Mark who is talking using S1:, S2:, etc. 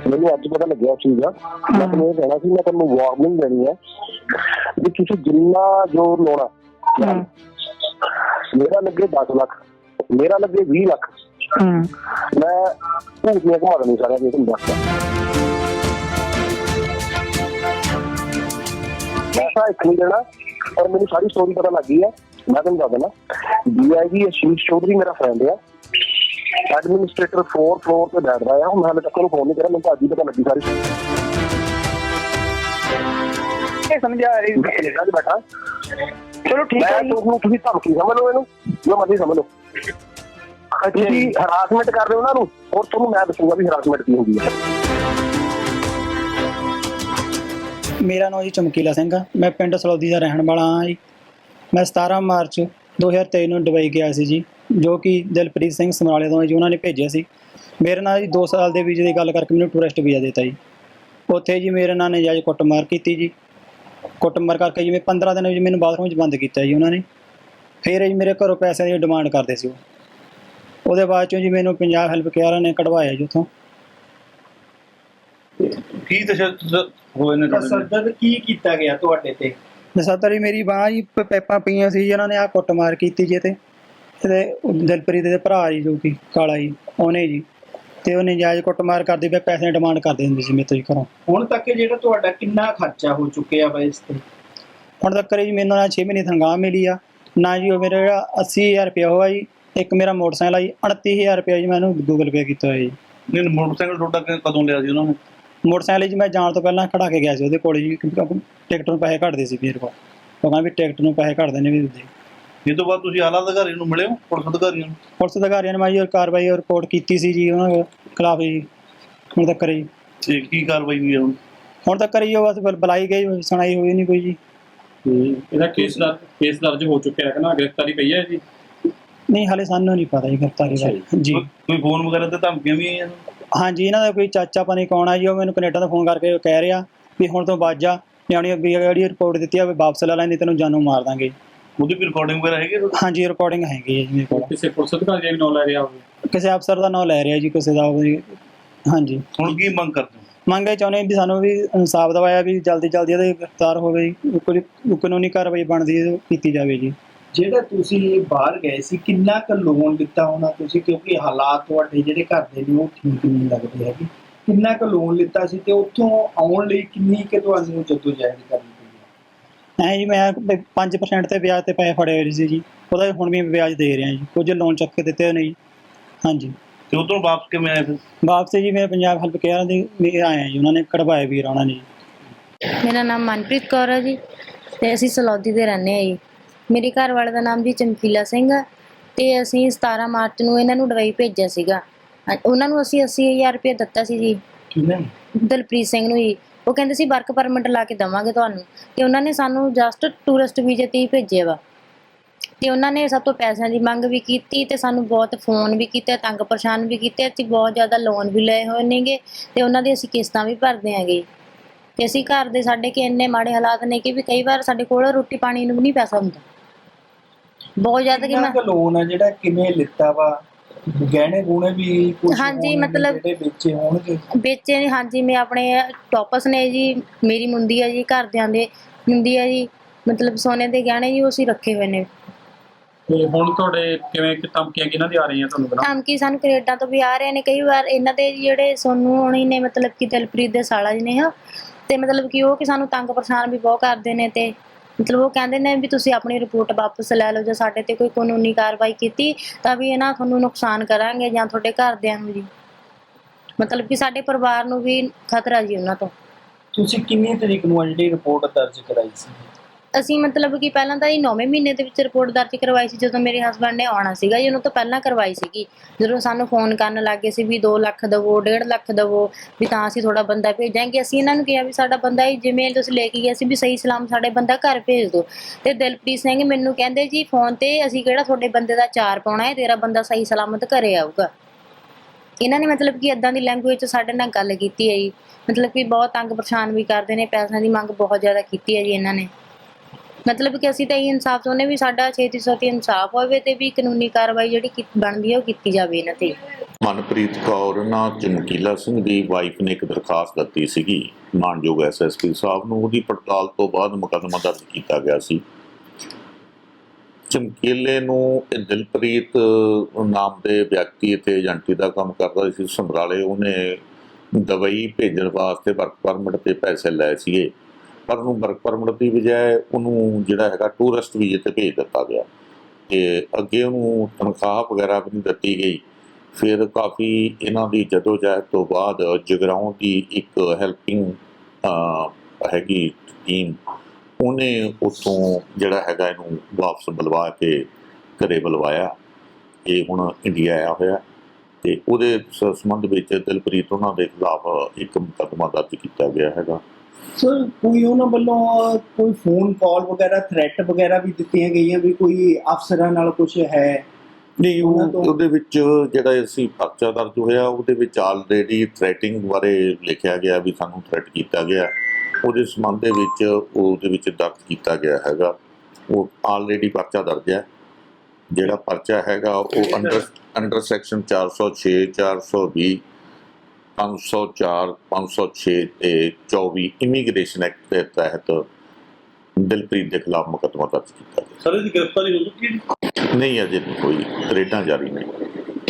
S1: ਮੈਨੂੰ ਅੱਜ ਪਤਾ ਲੱਗਿਆ ਚੀਜ਼ ਦਾ। ਮੈਂ ਤੁਹਾਨੂੰ ਇਹ ਕਹਿਣਾ ਸੀ, ਮੈਂ ਤੁਹਾਨੂੰ ਵਾਰਨਿੰਗ ਦੇਣੀ ਹੈ ਵੀ ਤੁਸੀਂ ਜਿੰਨਾ ਜ਼ੋਰ ਲਾਉਣਾ, ਮੇਰਾ ਲੱਗੇ 10 ਲੱਖ, ਮੇਰਾ ਲੱਗੇ 20 ਲੱਖ, ਮੈਂ ਭੂਤੀਆਂ ਘੁਮਾ ਦੇਣੀ ਸਾਰਿਆਂ ਦੇ। ਤੁਹਾਨੂੰ ਦੱਸਦਾ ਪੈਸਾ ਇੱਕ ਨਹੀਂ ਦੇਣਾ। ਔਰ ਮੈਨੂੰ ਸਾਰੀ ਸਟੋਰੀ ਪਤਾ ਲੱਗ ਗਈ ਹੈ। ਮੈਂ ਤੁਹਾਨੂੰ ਦੱਸ ਦੇਣਾ, DIG ਆਸ਼ੀਸ਼ ਚੌਧਰੀ ਮੇਰਾ ਫਰੈਂਡ ਆ, ਐਡਮਿਨਿਸਟ੍ਰੇਟਰ 4 ਫਲੋਰ ਤੇ ਬੈਠਦਾ ਆ। ਹੁਣ ਹਾਲੇ ਤੱਕ ਉਹਨੂੰ ਫੋਨ ਨਹੀਂ ਕਰਿਆ, ਮੈਨੂੰ ਤਾਂ ਅੱਜ ਹੀ ਪਤਾ ਲੱਗੀ ਸਾਰੀ। ਸਮਝਿਆ ਕੈਨੇਡਾ 'ਚ ਬੈਠਾ। ਚਲੋ ਠੀਕ ਹੈ, ਤੁਸੀਂ ਧਮਕੀ ਸਮਝ ਲਓ, ਇਹਨੂੰ ਜੋ ਮਰਜ਼ੀ ਸਮਝ ਲਓ। ਤੁਸੀਂ ਹਰਾਸਮੈਂਟ ਕਰ ਰਹੇ ਹੋ ਉਹਨਾਂ ਨੂੰ, ਔਰ ਤੁਹਾਨੂੰ ਮੈਂ ਦੱਸੂਗਾ ਵੀ ਹਰਾਸਮੈਂਟ ਕੀ ਹੁੰਦੀ ਹੈ।
S2: ਮੇਰਾ ਨਾਮ ਜੀ ਚਮਕੀਲਾ ਸਿੰਘ ਆ। ਮੈਂ ਪਿੰਡ ਸਲੌਦੀ ਦਾ ਰਹਿਣ ਵਾਲਾ ਹਾਂ ਜੀ। ਮੈਂ 17 ਮਾਰਚ 2023 ਨੂੰ ਦੁਬਈ ਗਿਆ ਸੀ ਜੀ, ਜੋ ਕਿ ਦਿਲਪ੍ਰੀਤ ਸਿੰਘ ਸਮਰਾਲੇ ਤੋਂ ਜੀ ਉਹਨਾਂ ਨੇ ਭੇਜਿਆ ਸੀ। ਮੇਰੇ ਨਾਲ ਜੀ 2 ਸਾਲ ਦੇ ਵੀਜ਼ੇ ਦੀ ਗੱਲ ਕਰਕੇ ਮੈਨੂੰ ਟੂਰਿਸਟ ਵੀਜ਼ਾ ਦਿੱਤਾ ਜੀ। ਉੱਥੇ ਜੀ ਮੇਰੇ ਨਾਲ ਨਜਾਇਜ਼ ਕੁੱਟਮਾਰ ਕੀਤੀ ਜੀ। ਕੁੱਟਮਾਰ ਕਰਕੇ ਜੀ ਮੈਂ 15 ਦਿਨ ਜੀ ਮੈਨੂੰ ਬਾਥਰੂਮ 'ਚ ਬੰਦ ਕੀਤਾ ਜੀ ਉਹਨਾਂ ਨੇ। ਫਿਰ ਜੀ ਮੇਰੇ ਘਰੋਂ ਪੈਸਿਆਂ ਦੀ ਡਿਮਾਂਡ ਕਰਦੇ ਸੀ ਉਹ। ਉਹਦੇ ਬਾਅਦ 'ਚੋਂ ਜੀ ਮੈਨੂੰ ਪੰਜਾਬ ਹੈਲਪ ਕੇਅਰ ਨੇ ਕਢਵਾਇਆ ਜੀ ਉੱਥੋਂ।
S3: ਕੀ ਤਸ਼ੱਦਦ ਹੋਏ ਨੇ?
S4: ਤਸ਼ੱਦਦ ਕੀ ਕੀਤਾ ਗਿਆ ਤੁਹਾਡੇ ਤੇ?
S2: ਨਸ਼ਾਤਰੀ ਮੇਰੀ ਬਾਂਹ ਜੀ ਪੈਪਾਂ ਪਈਆਂ ਸੀ ਜੀ, ਉਹਨਾਂ ਨੇ ਆਹ ਕੁੱਟਮਾਰ ਕੀਤੀ ਜੀ। ਇਹਦੇ ਦਿਲਪ੍ਰੀਤ ਦੇ ਭਰਾ ਜੀ, ਜੋ ਕਿ ਕਾਲਾ ਜੀ, ਉਹਨੇ ਜੀ, ਤੇ ਉਹ ਨਜਾਇਜ਼ ਕੁੱਟਮਾਰ ਕਰਦੇ ਪਏ, ਪੈਸੇ ਦੀ ਡਿਮਾਂਡ ਕਰਦੇ ਹੁੰਦੇ ਸੀ ਮੇਰੇ ਤੋਂ ਜੀ ਘਰੋਂ।
S4: ਹੁਣ ਤੱਕ ਜਿਹੜਾ ਤੁਹਾਡਾ ਕਿੰਨਾ ਖਰਚਾ ਹੋ ਚੁੱਕਿਆ ਵਾ ਇਸ ਤੇ?
S2: ਹੁਣ ਤੱਕ ਜੀ ਮੈਨੂੰ ਨਾ 6 ਮਹੀਨੇ ਤਨਖਾਹ ਮਿਲੀ ਆ ਨਾ ਜੀ। ਉਹ ਮੇਰਾ ਜਿਹੜਾ 80,000 ਰੁਪਇਆ ਹੋਇਆ ਜੀ। ਇੱਕ ਮੇਰਾ ਮੋਟਰਸਾਈਕਲ ਆ ਜੀ, 29,000 ਰੁਪਇਆ ਜੀ ਮੈਂ ਇਹਨੂੰ ਗੂਗਲ ਪੇ ਕੀਤਾ ਹੋਇਆ ਜੀ।
S3: ਨਹੀਂ, ਮੋਟਰਸਾਈਕਲ ਤੁਹਾਡਾ ਕਦੋਂ ਲਿਆ ਸੀ ਉਹਨਾਂ ਨੇ?
S2: ਮੋਟਰਸਾਈਕਲ ਜੀ ਮੈਂ ਜਾਣ ਤੋਂ ਪਹਿਲਾਂ ਖੜਾ ਕੇ ਗਿਆ ਸੀ ਉਹਦੇ ਕੋਲ ਜੀ, ਕਿਉਂਕਿ ਟਿਕਟ ਨੂੰ ਪੈਸੇ ਘੱਟਦੇ ਸੀ ਮੇਰੇ ਕੋਲ। ਉਹ ਕਹਿੰਦਾ ਵੀ ਟਿਕਟ ਨੂੰ ਪੈਸੇ ਘੱਟਦੇ ਨੇ ਵੀ ਦਿੰਦੇ।
S3: ਇਹ ਤੋਂ ਬਾਅਦ ਤੁਸੀਂ ਆਲਾ ਅਧਿਕਾਰੀ ਨੂੰ ਮਿਲੇ ਹੋ, ਪੁਲਿਸ ਅਧਿਕਾਰੀਆਂ ਨੂੰ?
S2: ਪੁਲਿਸ ਅਧਿਕਾਰੀਆਂ ਨੇ ਮੈਂ ਜੀ ਕਾਰਵਾਈ ਰਿਪੋਰਟ ਕੀਤੀ ਸੀ ਜੀ ਉਹਨਾਂ ਖਿਲਾਫ ਜੀ। ਹੁਣ ਤੱਕ ਜੀ
S3: ਤੇ ਕੀ ਕਾਰਵਾਈ ਹੋਈ ਹੈ
S2: ਹੁਣ ਤੱਕ ਜੀ? ਉਹ ਬਸ ਬੁਲਾਈ ਗਈ, ਸੁਣਾਈ ਹੋਈ ਨਹੀਂ ਕੋਈ ਜੀ।
S5: ਇਹਦਾ ਕੇਸ ਦਰਜ ਹੋ ਚੁੱਕਿਆ ਹੈ ਕਿ ਨਾ? ਗ੍ਰਿਫਤਾਰੀ ਪਈ ਹੈ ਜੀ?
S2: ਨਹੀਂ, ਹਾਲੇ ਸਾਨੂੰ ਨਹੀਂ ਪਤਾ ਜੀ ਗ੍ਰਿਫਤਾਰੀ ਬਾਰੇ ਜੀ।
S3: ਕੋਈ ਫੋਨ ਵਗੈਰਾ ਤੇ ਧਮਕੀਆਂ ਵੀ ਆਈਆਂ?
S2: ਹਾਂਜੀ, ਇਹਨਾਂ ਦਾ ਕੋਈ ਚਾਚਾ ਪਾਣੀ ਕੌਣ ਆ ਜੀ, ਉਹ ਮੈਨੂੰ ਕੈਨੇਡਾ ਤੋਂ ਫੋਨ ਕਰਕੇ ਕਹਿ ਰਿਹਾ ਵੀ ਹੁਣ ਤੋਂ ਬਾਅਦ ਜਾ, ਨਿਆਣੀ ਅੱਗੇ ਜਿਹੜੀ ਰਿਪੋਰਟ ਦਿੱਤੀ ਆ ਵੀ ਵਾਪਸ ਲੈ ਲੈਂਦੀ, ਤੈਨੂੰ ਜਾਨੋਂ ਮਾਰ ਦਾਂਗੇ।
S3: ਉਹਦੀ ਵੀ ਰਿਕਾਰਡਿੰਗ ਵਗੈਰਾ ਹੈਗੀ?
S2: ਹਾਂਜੀ, ਰਿਕਾਰਡਿੰਗ ਹੈਗੀ ਹੈ ਜੀ ਮੇਰੇ ਕੋਲ।
S5: ਕਿਸੇ ਪੁਲਿਸ ਅਧਿਕਾਰੀ ਦਾ ਵੀ ਨਾਮ ਲੈ ਰਿਹਾ ਹੋਵੇ?
S2: ਕਿਸੇ ਅਫਸਰ ਦਾ ਨਾਮ ਲੈ ਰਿਹਾ ਜੀ, ਕਿਸੇ ਦਾ। ਹਾਂਜੀ,
S3: ਹੁਣ ਕੀ ਮੰਗ ਕਰਦੇ ਹੋ?
S2: ਮੰਗ ਇਹ ਚਾਹੁੰਦੇ ਵੀ ਸਾਨੂੰ ਵੀ ਇਨਸਾਫ ਦਿਵਾਇਆ, ਵੀ ਜਲਦੀ ਜਲਦੀ ਇਹਦੇ ਗ੍ਰਿਫਤਾਰ ਹੋਵੇ ਜੀ। ਕੁਝ ਕਾਨੂੰਨੀ ਕਾਰਵਾਈ ਬਣਦੀ ਕੀਤੀ ਜਾਵੇ ਜੀ।
S4: ਜਿਹੜਾ ਤੁਸੀਂ ਬਾਹਰ ਗਏ ਸੀ, ਕਿੰਨਾ ਕੁ ਲੋਨ ਲਿੱਤਾ ਹੋਣਾ ਤੁਸੀਂ? ਕਿਉਂਕਿ ਹਾਲਾਤ ਤੁਹਾਡੇ ਜਿਹੜੇ ਘਰ ਦੇ ਨੇ ਉਹ ਠੀਕ ਨਹੀਂ ਲੱਗਦੇ ਹੈਗੇ। ਕਿੰਨਾ ਕੁ ਲੋਨ ਲਿੱਤਾ ਸੀ ਤੇ ਉੱਥੋਂ ਆਉਣ ਲਈ ਕਿੰਨੀ ਕੁ ਤੁਹਾਨੂੰ ਜੱਦੋਜਹਿਦ ਕਰਨੀ ਪਈ?
S2: ਐਂ ਜੀ ਮੈਂ 5% ਤੇ ਵਿਆਜ ਤੇ ਪੈਸੇ ਫੜੇ ਹੋਏ ਸੀ ਜੀ। ਉਹਦਾ ਹੁਣ ਵੀ ਵਿਆਜ ਦੇ ਰਿਹਾ ਜੀ। ਕੁਝ ਲੋਨ ਚੱਕ ਕੇ ਦਿੱਤੇ ਨਹੀਂ। ਹਾਂਜੀ।
S3: ਤੇ ਉਧਰੋਂ ਵਾਪਸ ਕਿਵੇਂ ਆਏ ਫਿਰ?
S2: ਵਾਪਸ ਜੀ ਮੈਂ ਪੰਜਾਬ ਹੈਲਪ ਕੇਅਰ ਦੇ ਆਇਆ ਜੀ, ਉਹਨਾਂ ਨੇ ਕਢਵਾਏ ਵੀਰ ਉਹਨਾਂ ਨੇ ਜੀ।
S6: ਮੇਰਾ ਨਾਮ ਮਨਪ੍ਰੀਤ ਕੌਰ ਹੈ ਜੀ, ਤੇ ਅਸੀਂ ਸਲੌਦੀ ਦੇ ਰਹਿੰਦੇ ਹਾਂ ਜੀ। ਮੇਰੇ ਘਰ ਵਾਲੇ ਦਾ ਨਾਮ ਜੀ ਚਮਕੀਲਾ ਸਿੰਘ ਆ, ਤੇ ਅਸੀਂ 17 ਮਾਰਚ ਨੂੰ ਇਹਨਾਂ ਨੂੰ ਦੁਬਈ ਭੇਜਿਆ ਸੀਗਾ। ਉਹਨਾਂ ਨੂੰ ਅਸੀਂ 80,000 ਰੁਪਏ ਦਿੱਤਾ ਸੀ ਜੀ।
S4: ਕਿਵੇਂ?
S6: ਦਿਲਪ੍ਰੀਤ ਸਿੰਘ ਨੂੰ ਜੀ। ਉਹ ਕਹਿੰਦੇ ਸੀ ਵਰਕ ਪਰਮਿਟ ਲਾ ਕੇ ਦੇਵਾਂਗੇ ਤੁਹਾਨੂੰ, ਤੇ ਉਹਨਾਂ ਨੇ ਸਾਨੂੰ ਜਸਟ ਟੂਰਿਸਟ ਵੀਜ਼ੇ ਤੇ ਹੀ ਭੇਜਿਆ ਵਾ। ਤੇ ਉਹਨਾਂ ਨੇ ਸਭ ਤੋਂ ਪੈਸਿਆਂ ਦੀ ਮੰਗ ਵੀ ਕੀਤੀ, ਤੇ ਸਾਨੂੰ ਬਹੁਤ ਫੋਨ ਵੀ ਕੀਤੇ, ਤੰਗ ਪਰੇਸ਼ਾਨ ਵੀ ਕੀਤੇ। ਅਸੀਂ ਬਹੁਤ ਜ਼ਿਆਦਾ ਲੋਨ ਵੀ ਲਏ ਹੋਏ ਨੇਗੇ, ਤੇ ਉਹਨਾਂ ਦੀ ਅਸੀਂ ਕਿਸ਼ਤਾਂ ਵੀ ਭਰਦੇ ਆਂਗੇ। ਤੇ ਅਸੀਂ ਘਰ ਦੇ ਸਾਡੇ ਕਿ ਇੰਨੇ ਮਾੜੇ ਹਾਲਾਤ ਨੇ ਕਿ ਵੀ ਕਈ ਵਾਰ ਸਾਡੇ ਕੋਲ ਰੋਟੀ ਪਾਣੀ ਨੂੰ ਵੀ ਨਹੀਂ ਪੈਸਾ ਹੁੰਦਾ, ਬਹੁਤ ਜ਼ਿਆਦਾ। ਕਿ ਮੈਂ
S4: ਲੋਨ ਹੈ ਜਿਹੜਾ ਕਿਵੇਂ ਲਿੱਤਾ ਵਾ? ਗਹਿਣੇ ਗੁਣੇ ਵੀ ਕੁਝ?
S6: ਹਾਂਜੀ, ਮਤਲਬ
S4: ਜਿਹੜੇ ਵੇਚੇ ਹੋਣਗੇ?
S6: ਵੇਚੇ ਨੇ, ਹਾਂਜੀ। ਮੈਂ ਆਪਣੇ ਟੋਪਸ ਨੇ ਜੀ, ਮੇਰੀ ਮੁੰਦੀ ਆ ਜੀ, ਘਰਦਿਆਂ ਦੇ ਮੁੰਦੀ ਆ ਜੀ, ਮਤਲਬ ਸੋਨੇ ਦੇ ਗਹਿਣੇ ਜੀ, ਉਹ ਅਸੀਂ ਰੱਖੇ ਹੋਏ ਨੇ।
S5: ਤੇ ਹੁਣ ਤੁਹਾਡੇ ਕਿਵੇਂ ਧਮਕੀਆਂ ਕਿਹਨਾਂ ਦੀ ਆ ਰਹੀਆਂ ਤੁਹਾਨੂੰ ਪਤਾ?
S6: ਧਮਕੀ ਸਾਨੂੰ ਕੈਨੇਡਾ ਤੋਂ ਵੀ ਆ ਰਹੇ ਨੇ ਕਈ ਵਾਰ। ਇਹਨਾਂ ਦੇ ਜਿਹੜੇ ਸੋਨੂ ਹੋਣੀ ਨੇ, ਮਤਲਬ ਕਿ ਦਿਲਪ੍ਰੀਤ ਦੇ ਸਾਲਾ ਜੀ ਨੇ, ਹਾਂ। ਤੇ ਮਤਲਬ ਕਿ ਉਹ ਕਿ ਸਾਨੂੰ ਤੰਗ ਪਰੇਸ਼ਾਨ ਵੀ ਬਹੁਤ ਕਰਦੇ ਨੇ, ਤੇ ਮਤਲਬ ਉਹ ਕਹਿੰਦੇ ਨੇ ਵੀ ਤੁਸੀਂ ਆਪਣੀ ਰਿਪੋਰਟ ਵਾਪਸ ਲੈ ਲਓ, ਜੇ ਸਾਡੇ ਤੇ ਕੋਈ ਕਾਨੂੰਨੀ ਕਾਰਵਾਈ ਕੀਤੀ ਤਾਂ ਵੀ ਇਹਨਾਂ ਤੁਹਾਨੂੰ ਨੁਕਸਾਨ ਕਰਾਂਗੇ, ਜਾਂ ਤੁਹਾਡੇ ਘਰਦਿਆਂ ਨੂੰ ਜੀ। ਮਤਲਬ ਕਿ ਸਾਡੇ ਪਰਿਵਾਰ ਨੂੰ ਵੀ ਖਤਰਾ ਜੀ ਉਹਨਾਂ ਤੋਂ।
S4: ਤੁਸੀਂ ਕਿੰਨੀ ਤਰੀਕ ਨੂੰ ਜਿਹੜੀ ਰਿਪੋਰਟ ਦਰਜ ਕਰਾਈ ਸੀ?
S6: ਅਸੀਂ ਮਤਲਬ ਕਿ ਪਹਿਲਾਂ ਤਾਂ 9ਵੇਂ ਮਹੀਨੇ ਦੇ ਵਿੱਚ ਰਿਪੋਰਟ ਦਰਜ ਕਰਵਾਈ ਸੀ, ਜਦੋਂ ਮੇਰੇ ਹਸਬੈਂਡ ਨੇ ਆਉਣਾ ਸੀਗਾ ਜੀ। ਉਹਨੂੰ ਤੋਂ ਪਹਿਲਾਂ ਕਰਵਾਈ ਸੀਗੀ, ਜਦੋਂ ਸਾਨੂੰ ਫੋਨ ਕਰਨ ਲੱਗ ਗਏ ਸੀ ਵੀ 2 ਲੱਖ ਦੇਵੋ, 1.5 ਲੱਖ ਦੇਵੋ, ਵੀ ਤਾਂ ਅਸੀਂ ਥੋੜਾ ਬੰਦਾ ਭੇਜਾਂਗੇ। ਅਸੀਂ ਇਹਨਾਂ ਨੂੰ ਕਿਹਾ ਵੀ ਸਾਡਾ ਬੰਦਾ ਹੀ ਜਿਵੇਂ ਤੁਸੀਂ ਲੈ ਕੇ ਗਏ ਸੀ ਵੀ ਸਹੀ ਸਲਾਮ ਸਾਡੇ ਬੰਦਾ ਘਰ ਭੇਜ ਦਿਓ। ਤੇ ਦਿਲਪ੍ਰੀਤ ਸਿੰਘ ਮੈਨੂੰ ਕਹਿੰਦੇ ਜੀ ਫੋਨ ਤੇ, ਅਸੀਂ ਕਿਹੜਾ ਤੁਹਾਡੇ ਬੰਦੇ ਦਾ ਚਾਰ ਪਾਉਣਾ ਹੈ, ਤੇਰਾ ਬੰਦਾ ਸਹੀ ਸਲਾਮਤ ਘਰੇ ਆਊਗਾ। ਇਹਨਾਂ ਨੇ ਮਤਲਬ ਕਿ ਇੱਦਾਂ ਦੀ ਲੈਂਗੁਏਜ 'ਚ ਸਾਡੇ ਨਾਲ ਗੱਲ ਕੀਤੀ ਹੈ ਜੀ। ਮਤਲਬ ਕਿ ਬਹੁਤ ਤੰਗ ਪਰੇਸ਼ਾਨ ਵੀ ਕਰਦੇ ਨੇ, ਪੈਸਿਆਂ ਦੀ ਮੰਗ ਬਹੁਤ ਜ਼ਿਆਦਾ ਕੀਤੀ ਹੈ ਜੀ ਇਹਨਾਂ ਨੇ। ਮਤਲਬ ਕਿ ਅਸੀਂ ਤਾਂ ਇਹ ਇਨਸਾਫ ਚਾਹੁੰਦੇ ਵੀ ਸਾਡਾ ਛੇਤੀ ਤੋਂ ਛੇਤੀ ਇਨਸਾਫ ਹੋਵੇ ਤੇ ਵੀ ਕਾਨੂੰਨੀ ਕਾਰਵਾਈ ਜਿਹੜੀ ਬਣਦੀ ਹੈ ਉਹ ਕੀਤੀ ਜਾਵੇ ਇਹਨਾਂ ਤੇ।
S7: ਮਨਪ੍ਰੀਤ ਕੌਰ ਨਾ ਚਮਕੀਲਾ ਸਿੰਘ ਦੀ ਵਾਈਫ ਨੇ ਇੱਕ ਦਰਖਾਸਤ ਦਿੱਤੀ ਸੀਗੀ ਮਾਨਯੋਗ ਐਸਐਸਪੀ ਸਾਹਿਬ ਨੂੰ। ਉਹਦੀ ਪੜਤਾਲ ਤੋਂ ਬਾਅਦ ਮੁਕੱਦਮਾ ਦਰਜ ਕੀਤਾ ਗਿਆ ਸੀ। ਚਮਕੀਲੇ ਨੂੰ ਇਹ ਦਿਲਪ੍ਰੀਤ ਨਾਮ ਦੇ ਵਿਅਕਤੀ ਇੱਥੇ ਏਜੰਟੀ ਦਾ ਕੰਮ ਕਰਦਾ ਸੀ ਸਮਰਾਲੇ। ਉਹਨੇ ਦੁਬਈ ਭੇਜਣ ਵਾਸਤੇ ਵਰਕ ਪਰਮਿਟ ਤੇ ਪੈਸੇ ਲਏ ਸੀਗੇ, ਪਰ ਉਹਨੂੰ ਵਰਕ ਪਰਮਿਟ ਦੀ ਬਜਾਏ ਉਹਨੂੰ ਜਿਹੜਾ ਹੈਗਾ ਟੂਰਿਸਟ ਵੀਜ਼ੇ ਤੇ ਭੇਜ ਦਿੱਤਾ ਗਿਆ ਤੇ ਅੱਗੇ ਉਹਨੂੰ ਤਨਖਾਹ ਵਗੈਰਾ ਵੀ ਨਹੀਂ ਦਿੱਤੀ ਗਈ। ਫਿਰ ਕਾਫੀ ਇਹਨਾਂ ਦੀ ਜਦੋਜਹਿਦ ਤੋਂ ਬਾਅਦ ਜਗਰਾਉਂ ਦੀ ਇੱਕ ਹੈਲਪਿੰਗ ਹੈਗੀ ਟੀਮ, ਉਹਨੇ ਉੱਥੋਂ ਜਿਹੜਾ ਹੈਗਾ ਇਹਨੂੰ ਵਾਪਸ ਬੁਲਵਾ ਕੇ ਘਰੇ ਬੁਲਵਾਇਆ। ਇਹ ਹੁਣ ਇੰਡੀਆ ਆਇਆ ਹੋਇਆ ਤੇ ਉਹਦੇ ਸੰਬੰਧ ਵਿੱਚ ਦਿਲਪ੍ਰੀਤ ਉਹਨਾਂ ਦੇ ਖਿਲਾਫ ਇੱਕ ਮੁਕੱਦਮਾ ਦਰਜ ਕੀਤਾ ਗਿਆ ਹੈਗਾ।
S4: ਸਰ ਕੋਈ ਉਹਨਾਂ ਵੱਲੋਂ ਕੋਈ ਫੋਨ ਕਾਲ ਵਗੈਰਾ ਥ੍ਰੈਟ ਵਗੈਰਾ ਵੀ ਦਿੱਤੀਆਂ ਗਈਆਂ ਵੀ ਕੋਈ ਅਫਸਰਾਂ ਨਾਲ ਕੁਝ ਹੈ?
S7: ਨਹੀਂ, ਉਹਦੇ ਵਿੱਚ ਜਿਹੜਾ ਅਸੀਂ ਪਰਚਾ ਦਰਜ ਹੋਇਆ ਉਹਦੇ ਵਿੱਚ ਆਲਰੇਡੀ ਥ੍ਰੈਟਿੰਗ ਬਾਰੇ ਲਿਖਿਆ ਗਿਆ ਵੀ ਸਾਨੂੰ ਥ੍ਰੈਟ ਕੀਤਾ ਗਿਆ। ਉਹਦੇ ਸੰਬੰਧ ਦੇ ਵਿੱਚ ਉਹਦੇ ਵਿੱਚ ਦਰਜ ਕੀਤਾ ਗਿਆ ਹੈਗਾ। ਉਹ ਆਲਰੇਡੀ ਪਰਚਾ ਦਰਜ ਹੈ। ਜਿਹੜਾ ਪਰਚਾ ਹੈਗਾ ਉਹ ਅੰਡਰ ਸੈਕਸ਼ਨ 406 420 504 506 ਤੇ 24 ਇਮੀਗ੍ਰੇਸ਼ਨ ਐਕਟ ਦੇ ਤਹਿਤ ਦਿਲਪ੍ਰੀਤ ਦੇ ਖਿਲਾਫ ਮੁਕੱਦਮਾ ਦਰਜ ਕੀਤਾ ਗਿਆ।
S3: ਸਰ ਇਹਦੀ ਗ੍ਰਿਫਤਾਰੀ ਹੋ ਚੁੱਕੀ ਹੈ?
S7: ਨਹੀਂ, ਅਜੇ ਕੋਈ ਰੇਡਾਂ ਜਾਰੀ ਨਹੀਂ।